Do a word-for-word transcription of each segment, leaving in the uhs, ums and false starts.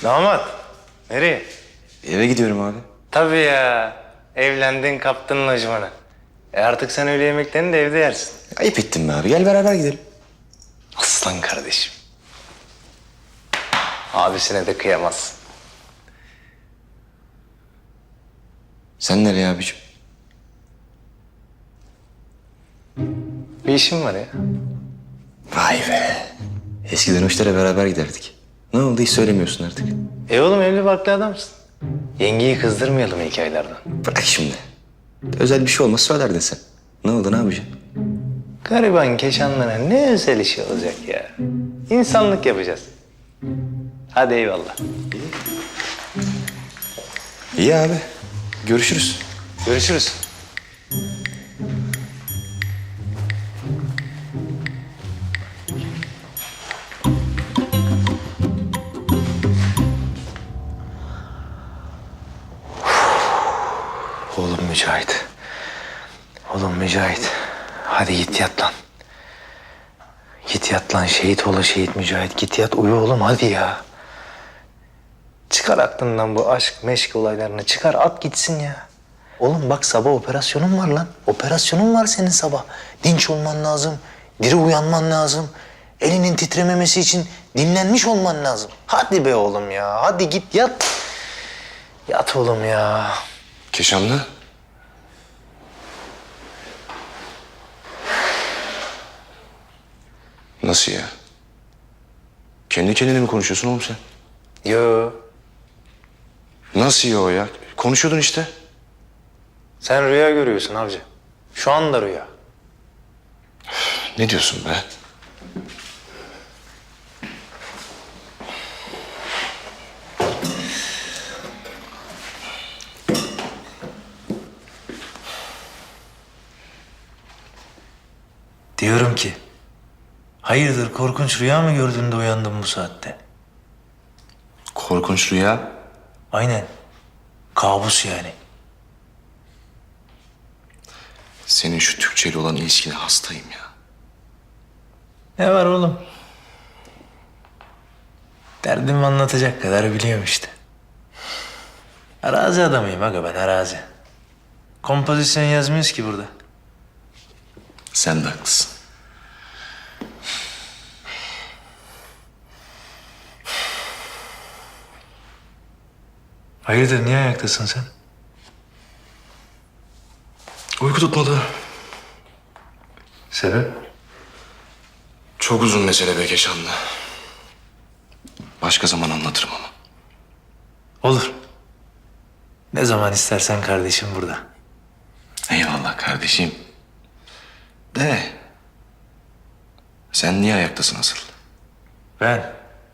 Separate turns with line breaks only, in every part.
Damat, nereye?
Eve gidiyorum abi.
Tabii ya, evlendin kaptın lojmanı. E artık sen öğle yemeklerini de evde yersin.
Ayıp ettin be abi. Gel beraber gidelim.
Aslan kardeşim. Abisine de kıyamazsın.
Sen nereye abiciğim?
Bir işim var ya.
Vay be. Eskiden o işlere beraber giderdik. Ne oldu hiç söylemiyorsun artık.
E oğlum evli barklı adamsın. Yengeyi kızdırmayalım hikayelerden.
Bırak şimdi. Özel bir şey olmaz söylerdin sen. Ne oldu ne yapacaksın?
Gariban Keşanlı'na ne özel işi olacak ya. İnsanlık yapacağız. Hadi eyvallah.
İyi abi. Görüşürüz.
Görüşürüz. Oğlum Mücahit. Oğlum Mücahit. Hadi git yat lan. Git yat lan şehit ola şehit Mücahit. Git yat uyu oğlum hadi ya. Çıkar aklından bu aşk meşk olaylarını. Çıkar at gitsin ya. Oğlum bak sabah operasyonun var lan. Operasyonun var senin sabah. Dinç olman lazım. Diri uyanman lazım. Elinin titrememesi için dinlenmiş olman lazım. Hadi be oğlum ya. Hadi git yat. Yat oğlum ya.
Keşanlı. Nasıl ya? Kendi kendine mi konuşuyorsun oğlum sen?
Yo.
Nasıl ya o ya? Konuşuyordun işte.
Sen rüya görüyorsun avcı. Şu anda rüya.
Ne diyorsun be?
Diyorum ki, hayırdır korkunç rüya mı gördün de uyandın bu saatte?
Korkunç rüya.
Aynen. Kabus yani.
Senin şu Türkçeyle olan ilişkine hastayım ya.
Ne var oğlum? Derdimi anlatacak kadar biliyorum işte. Arazi adamıyım aga ben arazi. Kompozisyon yazmıyoruz ki burada.
Sen de haklısın.
Hayırdır niye ayaktasın sen?
Uyku tutmadı.
Sebep?
Çok uzun mesele be Keşanlı. Başka zaman anlatırım ama.
Olur. Ne zaman istersen kardeşim burada.
Eyvallah kardeşim. De. Sen niye ayaktasın asıl?
Ben.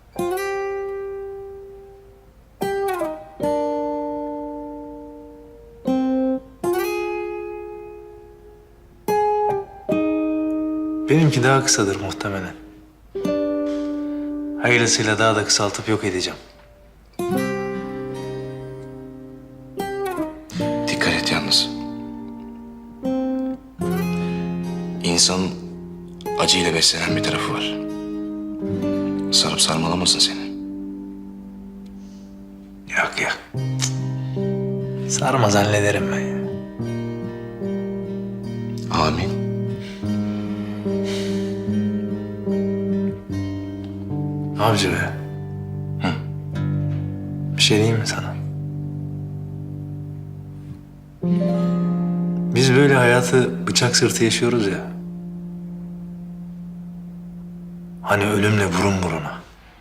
Benimki daha kısadır muhtemelen. Hayırlısıyla daha da kısaltıp yok edeceğim.
Dikkat et yalnız. İnsanın acıyla beslenen bir tarafı var. Sarıp sarmalamasın seni.
Yok yok. Sarmaz hallederim ben ya.
Amin.
Avcı be.
Hı.
Bir şey diyeyim mi sana? Biz böyle hayatı bıçak sırtı yaşıyoruz ya. Hani ölümle burun buruna.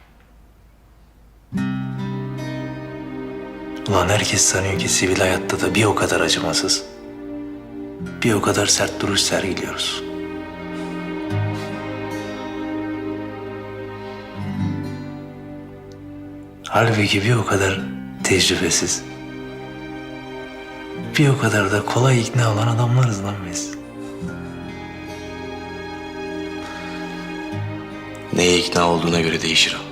Ulan herkes sanıyor ki sivil hayatta da bir o kadar acımasız, bir o kadar sert duruş sergiliyoruz. Halbuki bir o kadar tecrübesiz, bir o kadar da kolay ikna olan adamlarız lan biz.
Neye ikna olduğuna göre değişir o.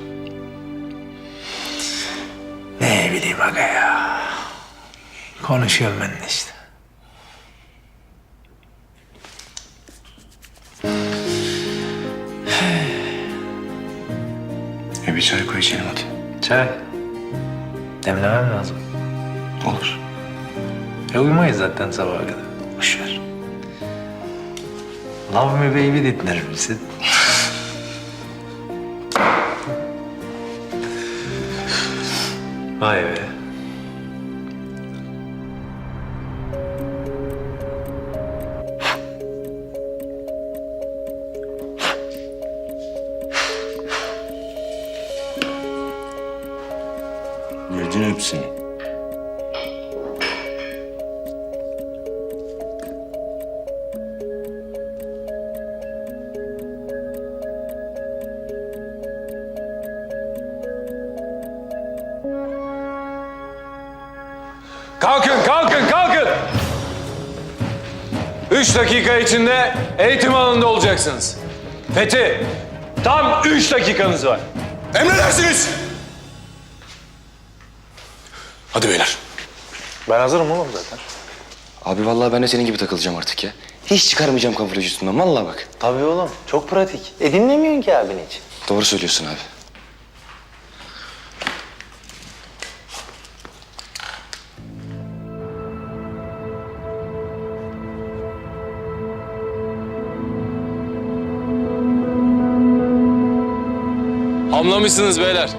Ne bileyim aga ya. Konuşuyorum ben de işte.
E bir çay koy içelim hadi.
Çay. Demlemem lazım.
Olur.
E uyumayız zaten sabaha kadar. Boş ver. Love me baby dinler misin? Vay be.
Yedin hepsini.
Kalkın, kalkın, kalkın! Üç dakika içinde eğitim alanında olacaksınız. Fethi, tam üç dakikanız var.
Emredersiniz. Hadi beyler.
Ben hazırım oğlum zaten.
Abi vallahi ben de senin gibi takılacağım artık ya. Hiç çıkarmayacağım kamuflaj üstümden vallahi bak.
Tabii oğlum. Çok pratik. E dinlemiyorsun ki abini hiç.
Doğru söylüyorsun abi.
Hamlamışsınız beyler.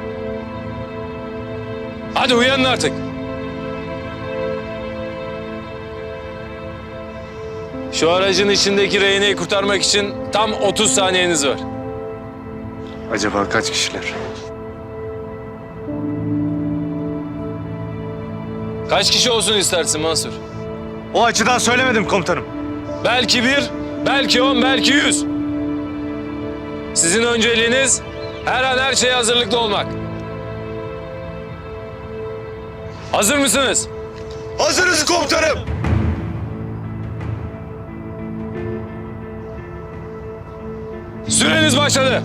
Hadi uyanın artık. Şu aracın içindeki rehineyi kurtarmak için tam otuz saniyeniz var.
Acaba kaç kişiler?
Kaç kişi olsun istersin Mansur?
O açıdan söylemedim komutanım.
Belki bir, belki on, belki yüz. Sizin önceliğiniz her an her şeye hazırlıklı olmak. Hazır mısınız?
Hazırız komutanım.
Süreniz başladı.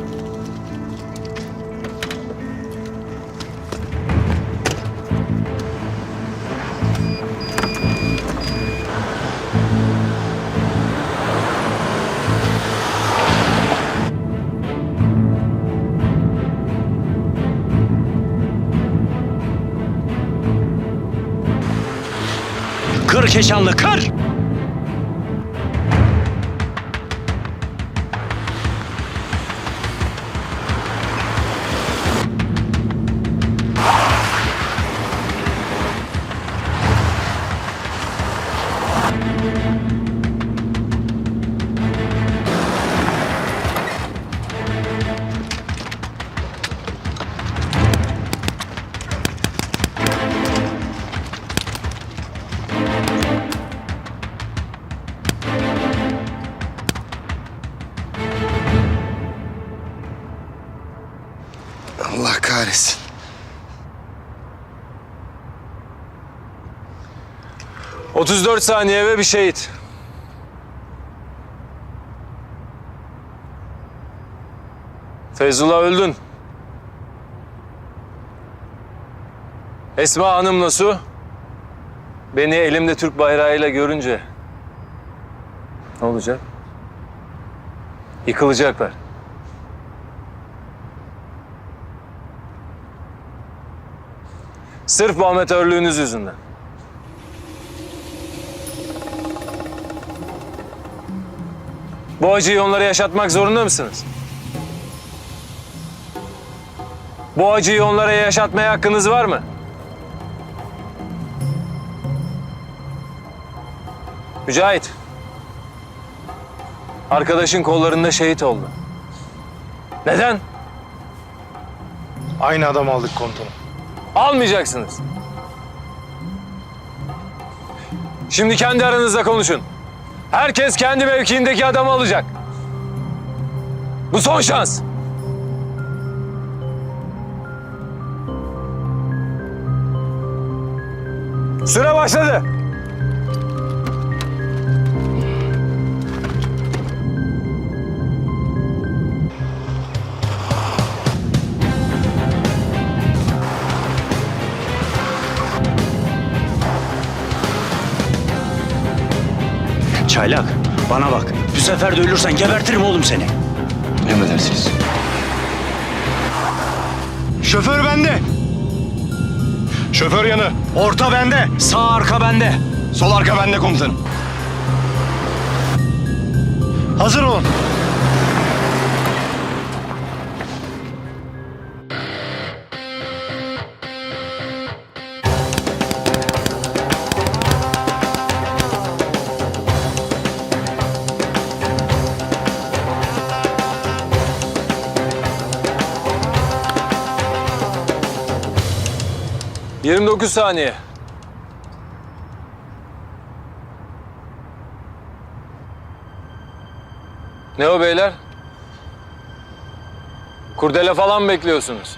Kır Keşanlı, kır!
Allah kahretsin.
otuz dört saniye ve bir şehit. Feyzullah öldün. Esma Hanım'la Su beni elimde Türk bayrağıyla görünce ne olacak? Yıkılacaklar. Sırf bu amatörlüğünüz yüzünden. Bu acıyı onlara yaşatmak zorunda mısınız? Bu acıyı onlara yaşatmaya hakkınız var mı? Mücahit. Arkadaşın kollarında şehit oldu. Neden?
Aynı adam aldık komutanım.
Almayacaksınız. Şimdi kendi aranızda konuşun. Herkes kendi mevkiindeki adamı alacak. Bu son şans. Süre başladı.
Çaylak, bana bak. Bu sefer de ölürsen gebertirim oğlum seni.
Emredersiniz.
Şoför bende.
Şoför yanı.
Orta bende. Sağ arka bende.
Sol arka bende komutanım.
Hazır olun.
yirmi dokuz saniye. Ne o beyler? Kurdele falan mı bekliyorsunuz?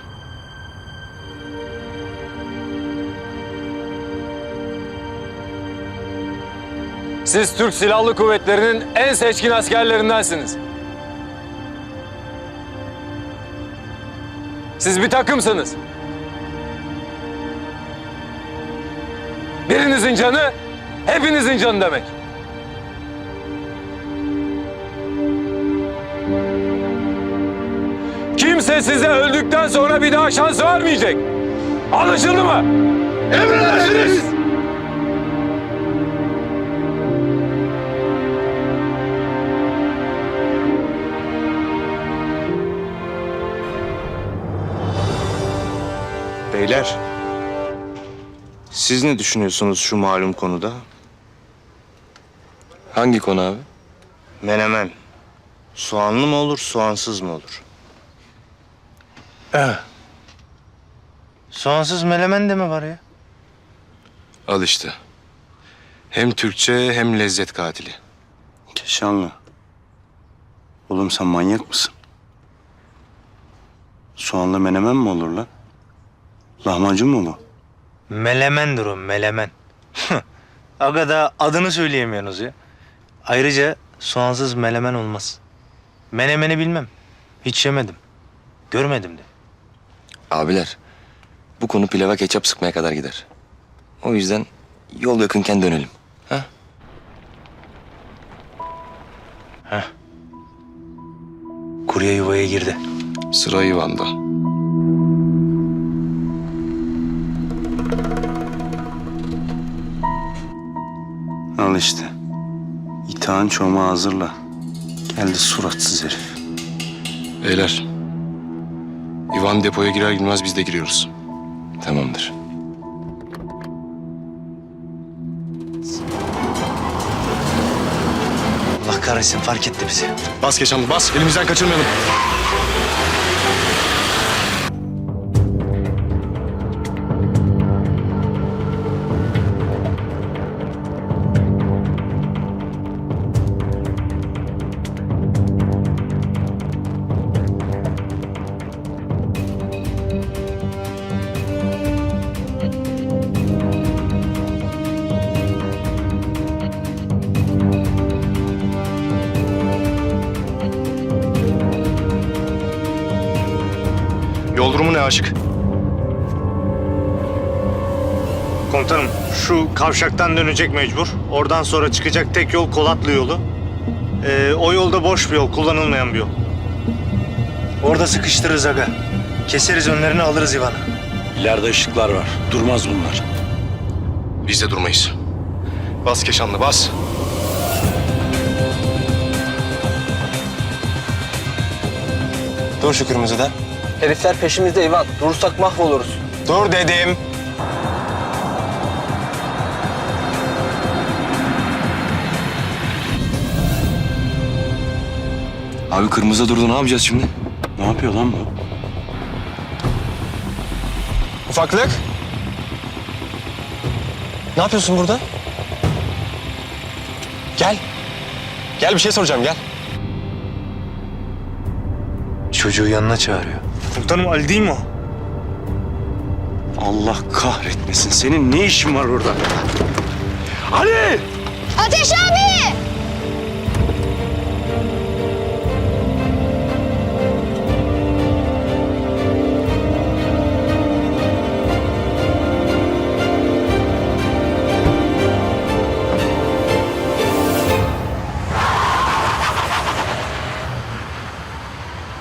Siz Türk Silahlı Kuvvetleri'nin en seçkin askerlerindensiniz. Siz bir takımsınız. Birinizin canı, hepinizin canı demek. Kimse size öldükten sonra bir daha şans vermeyecek. Anlaşıldı mı?
Emredersiniz.
Beyler. Siz ne düşünüyorsunuz şu malum konuda?
Hangi konu abi?
Menemen. Soğanlı mı olur, soğansız mı olur?
Evet. Soğansız melemen de mi var ya?
Al işte. Hem Türkçe hem lezzet katili.
Keşanlı. Oğlum sen manyak mısın? Soğanlı menemen mi olur lan? Lahmacun mu bu?
Melemendir o, melemen. Aga da adını söyleyemiyorsunuz ya. Ayrıca soğansız melemen olmaz. Menemeni bilmem. Hiç yemedim. Görmedim de.
Abiler, bu konu pilava ketçap sıkmaya kadar gider. O yüzden yol yakınken dönelim. Ha?
Kurye yuvaya girdi.
Sıra Ivan'da.
Al işte. İtağın çomağı hazırla. Geldi suratsız herif.
Beyler. Ivan depoya girer girmez biz de giriyoruz.
Tamamdır.
Allah kahretsin, fark etti bizi.
Bas Keşanlı bas. Elimizden kaçırmayalım.
Yol durumu ne Aşık? Komutanım, şu kavşaktan dönecek mecbur. Oradan sonra çıkacak tek yol Kolatlı yolu. Ee, o yolda boş bir yol, kullanılmayan bir yol.
Orada sıkıştırırız aga. Keseriz önlerini, alırız İvan'ı.
İleride ışıklar var. Durmaz bunlar.
Biz de durmayız.
Bas Keşanlı bas.
Dur şu kırmızıda.
Herifler peşimizde İvan. Durursak mahvoluruz.
Dur dedim. Abi kırmızıda durdu, ne yapacağız şimdi?
Ne yapıyor lan bu?
Ufaklık. Ne yapıyorsun burada? Gel. Gel bir şey soracağım, gel.
Çocuğu yanına çağırıyor.
Komutanım Ali değil mi o?
Allah kahretmesin. Senin ne işin var orada? Ali!
Ateş abi!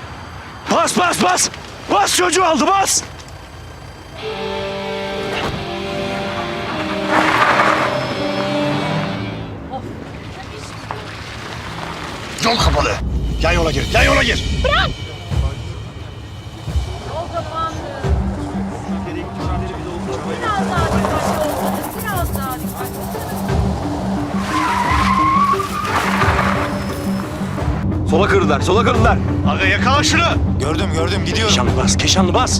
Bas bas bas! Bas çocuğu aldı bas!
Yol kapalı. Yan yola gir. Yan yola gir.
Biraz daha dikkatli olun. Biraz daha dikkatli olun.
Sola kırdılar, sola kırdılar.
Aga yakala şunu.
Gördüm gördüm gidiyorum. Keşanlı bas, Keşanlı bas.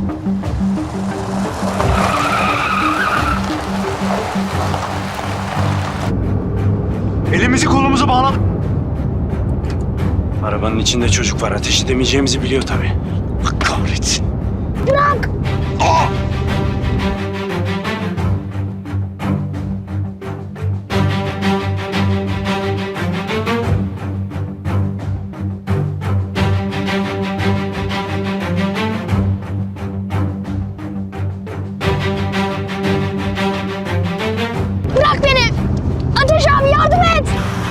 Elimizi kolumuzu bağladık.
Arabanın içinde çocuk var. Ateş edemeyeceğimizi biliyor tabii. Allah kahretsin.
Bırak beni. Ateş abi yardım et.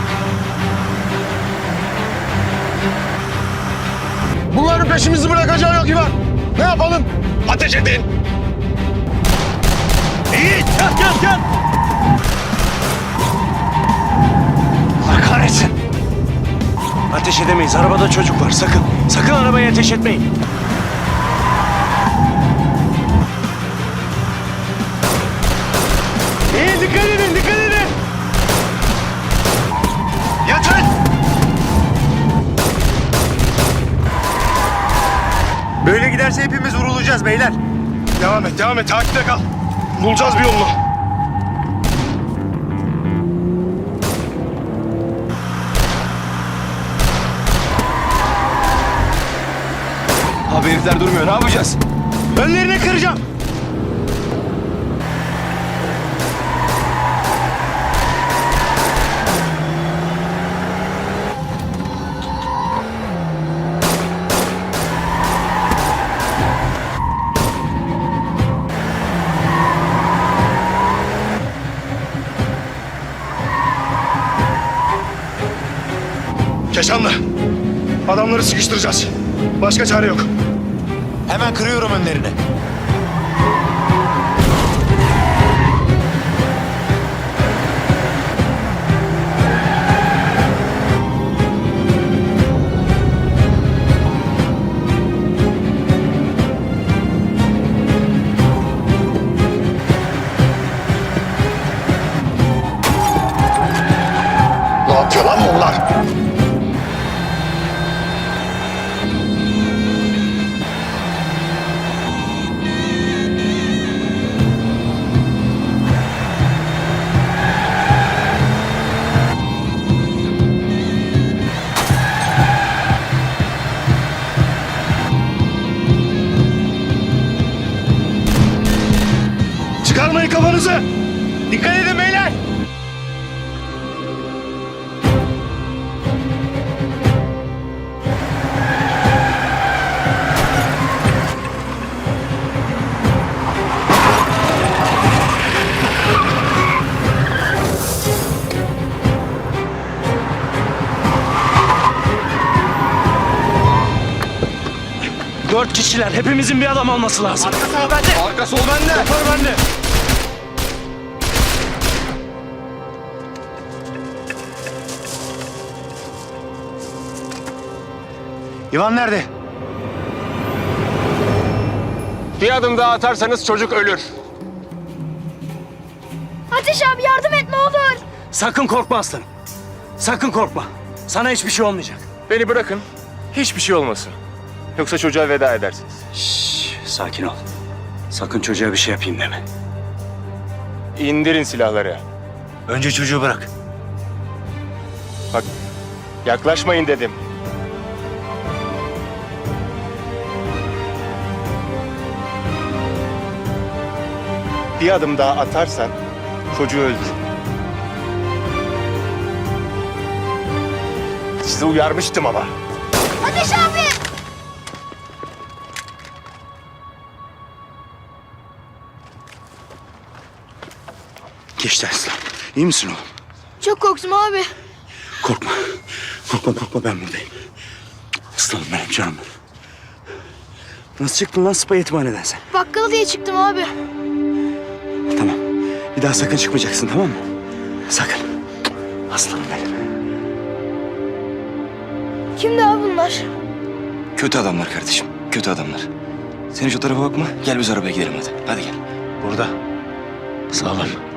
Bunların peşimizi bırakacağı yok İvan. Ne yapalım? Ateş edin. İyi. Gel gel gel.
Allah kahretsin. Ateş edemeyiz. Arabada çocuk var. Sakın. Sakın arabaya ateş etmeyin.
İyi dikkat edin dikkat edin. Yatın.
Böyle giderse hepimiz vurulacağız beyler.
Devam et devam et. Takipte kal. Bulacağız bir yolunu.
Abi herifler durmuyor. Ne yapacağız?
Önlerine kıracağım. Keşanlı. Adamları sıkıştıracağız. Başka çare yok.
Hemen kırıyorum önlerini.
Ne yapıyor lan bunlar? Çıkarmayın kafanızı. Dikkat edin beyler.
Dört kişiler. Hepimizin bir adam olması lazım.
Arka sol bende.
Yapar bende.
İvan nerede?
Bir adım daha atarsanız çocuk ölür.
Ateş abi yardım et ne olur.
Sakın korkma aslanım. Sakın korkma. Sana hiçbir şey olmayacak.
Beni bırakın. Hiçbir şey olmasın. Yoksa çocuğa veda edersiniz.
Şşş, sakin ol. Sakın çocuğa bir şey yapayım deme.
İndirin silahları.
Önce çocuğu bırak.
Bak, yaklaşmayın dedim. Bir adım daha atarsan çocuğu öldürürüm. Sizi uyarmıştım ama.
Ateş abi.
Geçti aslan. İyi misin oğlum?
Çok korktum abi.
Korkma. Korkma korkma ben buradayım. Aslanım benim canım. Nasıl çıktın lan spa yetimhaneden sen?
Bakkala diye çıktım abi.
Tamam. Bir daha sakın çıkmayacaksın tamam mı? Sakın. Aslanım benim.
Kimdi abi bunlar?
Kötü adamlar kardeşim. Kötü adamlar. Sen hiç o tarafa bakma. Gel biz arabaya gidelim hadi. Hadi gel.
Burada. Sağlam.